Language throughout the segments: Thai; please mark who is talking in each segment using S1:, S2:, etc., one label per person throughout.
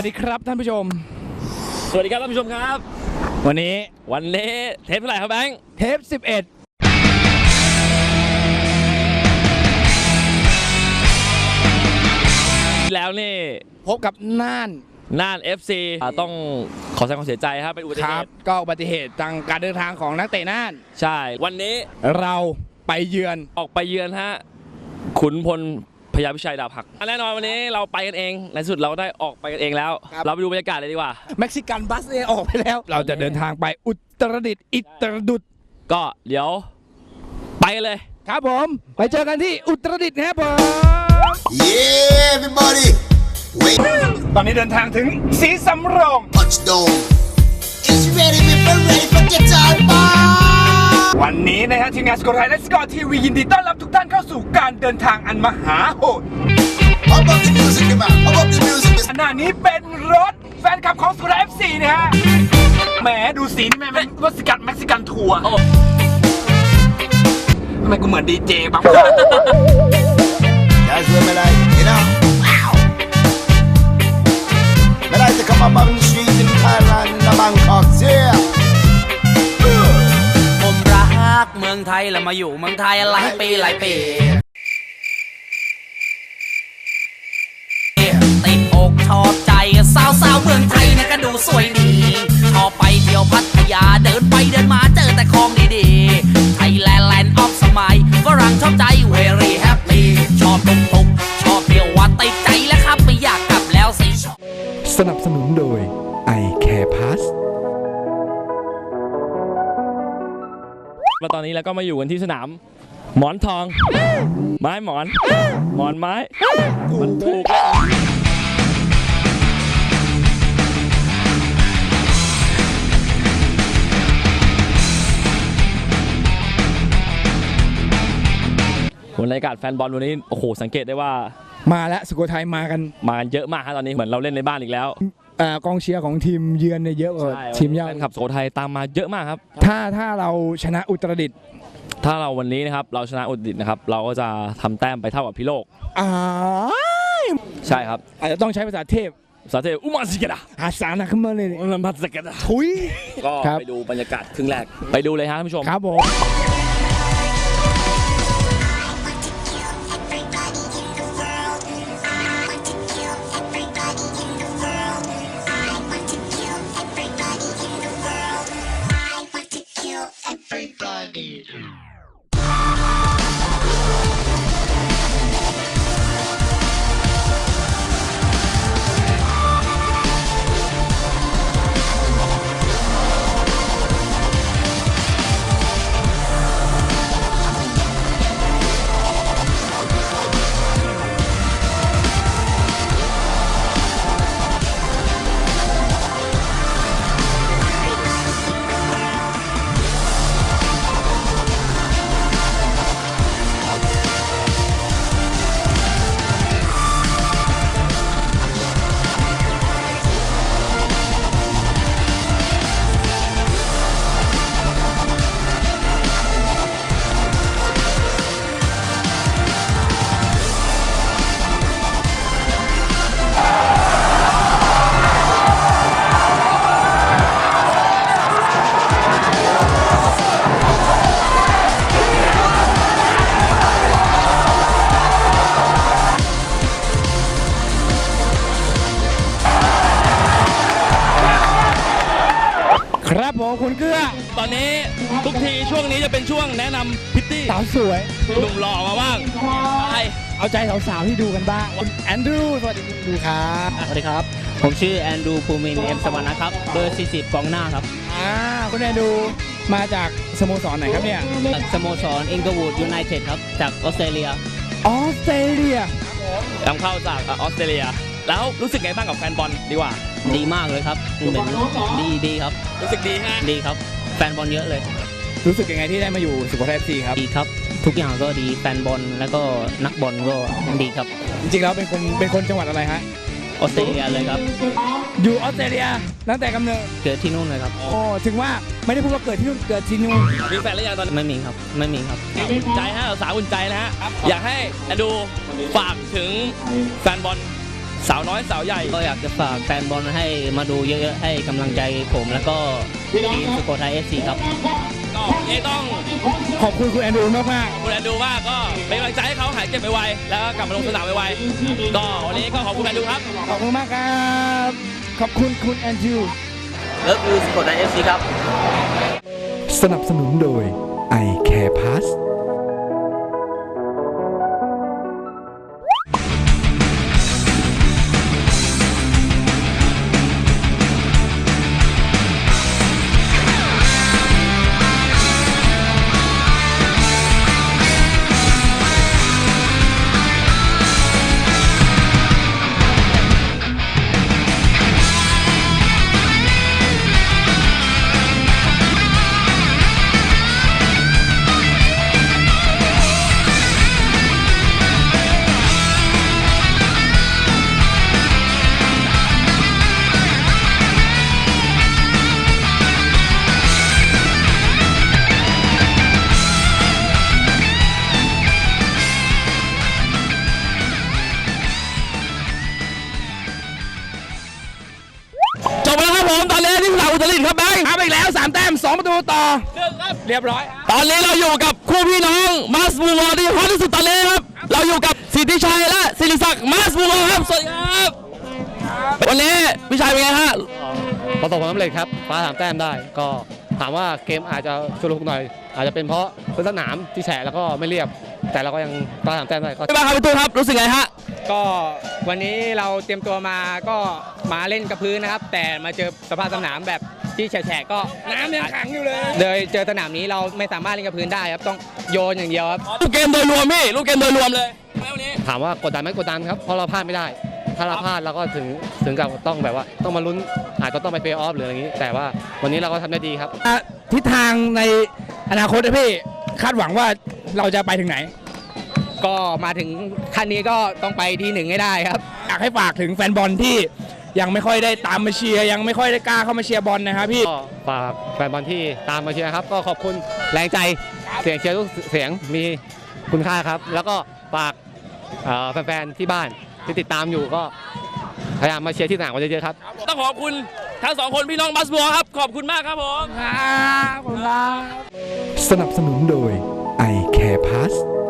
S1: ดีครับท่านผู้ชม
S2: สวัสดีครับท่านผู้ชมครับ
S1: วันนี้
S2: เทปเท่าไหร่ครับแบงค์
S1: เทป11
S2: แล้วนี่
S1: พบกับน่าน
S2: FC ต้องขอแสดงความเสียใจครับเป็นอุบัติเหตุ
S1: ก็อุบัติเหตุทางการเดินทางของนักเตะน่าน
S2: ใช่วันนี้
S1: เราไปเยือน
S2: ออกไปเยือนฮะขุนพลพญาพิชัยดาบหักแน่นอนวันนี้เราไปกันเองในสุดเราได้ออกไปกันเองแล้วเราไปดูบรรยากาศเลยดีกว่า
S1: เม็กซิกันบัสเนี่ยออกไปแล้วเราจะเดินทางไปอุตรดิตถ์อิตรดุษ
S2: ก็เดี๋ยวไปกันเลย
S1: ครับผมไปเจอกันที่อุตรดิตถ์ครับผม
S3: Yeah everybody wait
S1: ตอนนี้เดินทางถึงศรีสำโรง
S3: touchdown is ready people ready for guitar bar
S1: วันนี้นะฮะทีมงานสกอร์ไทยและสกอร์ทีวียินดีต้อนรับทุกท่านเข้าสู่การเดินทางอันมหาโหด
S3: How about the music man How about the music
S1: ขณะนี้เป็นรถแฟนคลับของสกอร์ไทย FC นะฮะแหมดูสีนี่แม่เป็นรถเม็กซิกันทัวร์ทำไมกูเหมือนดีเจบ้าง
S3: That's what me like you know wow me like to come up on the street in Thailand in Bangkok yeah
S4: ผมรักเมืองไทยแล้วมาอยู่เมืองไทยหลายปีติดอกชอบใจสาวเมืองไทยนะก็ดูสวยดีชอบไปเที่ยวพัทยาเดินไปเดินมาเจอแต่ของดีๆไทยแลนด์แลนด์ออฟสมัยฝรั่งชอบใจ very happy ชอบตุกชอบเที่ยวว่าติดใจแล้วครับไม่อยากกลับแล้วสิ
S1: สนับสนุนโดย I Care Pass
S2: มาตอนนี้แล้วก็มาอยู่กันที่สนามหมอนทองไม้หมอนไม้มันถูกบรรยากาศแฟนบอลวันนี้โอ้โหสังเกตได้ว่า
S1: มาแล้วสุโขทัยมากัน
S2: เยอะมากครับตอนนี้เหมือนเราเล่นในบ้านอีกแล้ว
S1: กองเชียร์ของทีมเยือนเนี่ยเยอะกว่าทีมเยือน
S2: แฟนคลับสุโขทัยตามมาเยอะมากครับ
S1: ถ้าเราชนะอุตรดิตถ์
S2: ถ้าเราวันนี้นะครับเราชนะอุตรดิตถ์นะครับเราก็จะทำแต้มไปเท่ากับพิโลกใช่ครับ
S1: อาจจะต้องใช้ภาษาเทพ
S2: อุมาสิกะดะ
S1: หาสานะขึ้นมาเลย
S2: อุมาสิกะดะ
S1: ทุย
S2: ก็ไปดูบรรยากาศครึ่งแรกไปดูเลยฮะท่านผู้ชม
S1: ครับผมครับผมคุณเกื้อ
S2: ตอนนี้ทุกทีช่วงนี้จะเป็นช่วงแนะนำพิตตี้
S1: สาวสวย
S2: หนุ่มหล่อมาบ้าง
S1: เอาใจสาวๆที่ดูกันบ้างแอนดรูสวัสดีครับ
S4: สวัสดีครับผมชื่อแอนดรูภูมินเอ็มสวรรค์นะครับเบอร์40กองหน้าครับ
S1: คุณแอนดรูมาจากสโมสรไหนครับเนี่ย
S4: สโมสรอิงเกอร์วูดยูไนเต็ดครับจากออสเตรเลีย
S2: นำเข้าจากออสเตรเลียแล้วรู้สึกไงบ้างกับแฟนบอลดีกว่า
S4: ดีมากเลยครับเป็นดีครับ
S2: รู้สึกดีฮะ
S4: ดีครับแฟนบอลเยอะเลย
S1: รู้สึกยังไงที่ได้มาอยู่สุโขทัย FC ครับ
S4: ดีครับทุกอย่างก็ดีแฟนบอลแล้วก็นักบอลก็ดีครับ
S1: จริงๆแล้วเป็นคนจังหวัดอะไรฮะ
S4: ออสเตรเลียเลยครับ
S1: อยู่ออสเตรเลียตั้งแต่กำเนิด
S4: เกิดที่นู่นเลยครับ
S1: โอ้ถึงว่าไม่ได้พูดว่าเกิดที่นู่นเกิดที่นู่น
S2: มีแฟนหรือยังตอนนี้
S4: ไม่มีครับ
S2: อุ่นใจฮะสาวอุ่นใจนะฮะอยากให้ดูฝากถึงแฟนบอลสาวน้อยสาวใหญ่
S5: ก็อยากจะฝากแฟนบอลให้มาดูเยอะๆให้กำลังใจผมแล้วก็ทีมสุโขทัย FC ครับ
S2: ก็เองต้อง
S1: ขอบคุณคุณแอนดรูมาก
S2: ขอบคุณแอนดูมากก็เป็นกำลังใจให้เขาหายเจ็บไวๆแล้วก็กลับมาลงสนามไวๆก็วันนี้ก็ขอบคุณแอนดูครับ
S1: ๆขอบคุณมากครับขอบคุณคุณแอนดรู
S5: เลิฟยูสุโขทัย FC ครับ
S6: สนับสนุนโดย i Care Pass
S2: จบแล้วครับผมตอนนี้ที่สนามอุตรดิตถ์ครับแบงค์
S1: เอาไปอีกแล้ว3 แต้ม 2 ประตูต่อ เรียบร้อย
S2: ตอนนี้เราอยู่กับคู่พี่น้องมาสบูวอที่ฮอตที่สุดตอนนี้ครับเราอยู่กับสิทธิชัยและศิริศักดิ์มาสบูวอครับสวัสดีครับวันนี้พี่ชัยเป็นไงฮะ
S7: ประสบความสำเร็จครับคว้า3 แต้มได้ ก็ถามว่าเกมอาจจะชุลมุนหน่อย อาจจะเป็นเพราะพื้นสนามที่แฉะแล้วก็ไม่เรียบ แต่เราก็ยังคว้า3 แต้มได้ก็
S2: พี่บ้างครับพี่ตู้ครับรู้สึกไงฮะ
S8: ก็วันนี้เราเตรียมตัวมาก็มาเล่นกับพื้นนะครับ แต่มาเจอสภาพสนามแบบที่แฉะๆก็น้ำยังขังอยู่เลยเลยเจอสนามนี้เราไม่สามารถเล่นกับพื้นได้ครับต้องโยนอย่างเดียวครับ
S2: ลูกเกมโดยรวมพี่ลูกเกมโดยรวมเลยวันนี้
S7: ถามว่ากดดันไหมกดดันครับ เพราะเราพลาดไม่ได้ ถ้าเราพลาดเราก็ถึงกับต้องแบบว่าต้องมาลุ้นอาจจะต้องไปเพลย์ออฟหรืออะไรอย่างนี้ แต่ว่าวันนี้เราก็ทำได้ดีครับ
S1: ทิศทางในอนาคตนะพี่คาดหวังว่าเราจะไปถึงไหน
S8: ก็มาถึงขั้นนี้ก็ต้องไปที่1ให้ได้ครับ
S1: อยากให้ฝากถึงแฟนบอลที่ยังไม่ค่อยได้ตามมาเชียร์ยังไม่ค่อยได้กล้าเข้ามาเชียร์บอลนะครับพี่
S7: ก็ฝากแฟนบอลที่ตามมาเชียร์ครับ ก็ขอบคุณแรงใจเสียงเชียร์ทุกเสียงมีคุณค่าครับ แล้วก็ฝากแฟนๆที่บ้านที่ติดตามอยู่ก็พยายามมาเชียร์ที่สนามกันเยอะๆครับ
S2: ต้องขอบคุณทั้งสองคนพี่น้องมาสบูวอครับขอบคุณมากครับผม
S6: สนับสนุนโดย i Care Pass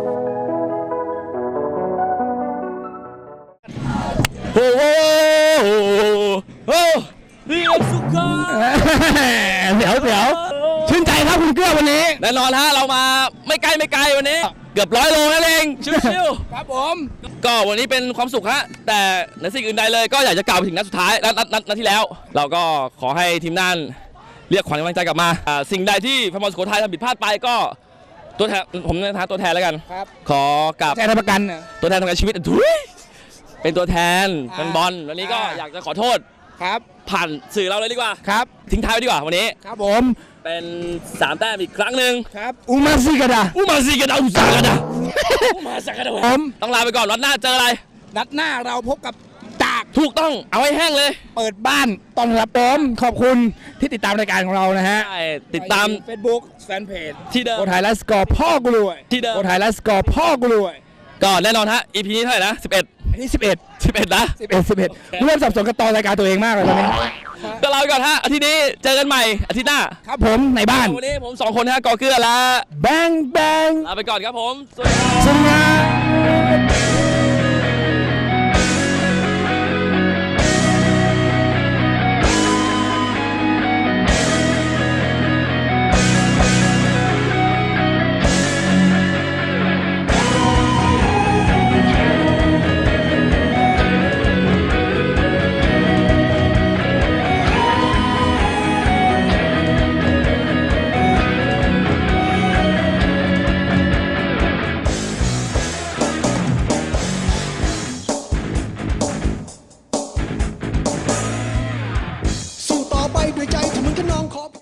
S2: โอ้โหโอ้เรียบสุขา
S1: เดี๋ยวชื่นใจครับคุณเกื้อวันนี้
S2: แน่นอนฮะเรามาไม่ไกลวันนี้เกือบ100 โลนั่นเองชิว
S1: ครับผม
S2: ๆก็วันนี้เป็นความสุขฮะแต่ในสิ่งอื่นใดเลยก็อยากจะกล่าวไปถึงนัดสุดท้ายนัดที่แล้ว เราก็ขอให้ทีมน่านเรียกขวัญกำลังใจกลับมาสิ่งใดที่แฟนบอลสุโขทัยทำผิดพลาดไปก็ตัวแทนผมในฐานะตัวแทนแล้วกัน
S1: ครับ
S2: ขอกราบ
S1: แจ้งประกันน่ะ
S2: ตัวแทนทำงานชีวิตทุยเป็นตัวแทนแฟนบอลวันนี้ก็อยากจะขอโทษ
S1: ครับ
S2: ผ่านสื่อเราเลยดีกว่า
S1: ครับ
S2: ทิ้งท้ายไว้ดีกว่าวันนี้
S1: ครับผม
S2: เป็น3 แต้มอีกครั้งหนึ่ง
S1: ครับอุมาซิกาดา
S2: อุมาซิกาดาอุซากาดาอุมาซากาดา
S1: ผม
S2: ต้องลาไปก่อนวันหน้าเจออะไร
S1: นัดหน้าเราพบกับตาก
S2: ถูกต้องเอาให้แห้งเลย
S1: เปิดบ้านต้อนรับผมขอบคุณที่ติดตามรายการของเรานะฮะ
S2: ใช่ติดตาม
S1: เฟซบุ๊กแฟนเพจ
S2: ที่เดิม
S1: โคไทยและสกอร์พ่อกูรวย
S2: ที่เดิม
S1: โคไทยและสกอร์พ่อกูรวย
S2: ก็แน่นอนฮะ EP นี้เท่าไหร่นะ11
S1: อันนี้11
S2: นะ
S1: เริ่มสับสนกับตอนรายการตัวเองมากเลยตอนนี้
S2: ก็ลาไปก่อนฮะอาทิตย์นี้เจอกันใหม่อาทิตย์หน้า
S1: ครับผมในบ้าน
S2: วันนี้ผม2 คนฮะกอเกื้อและ
S1: แบงแบง
S2: ลาไปก่อนครับผม
S1: สวัสดีครับ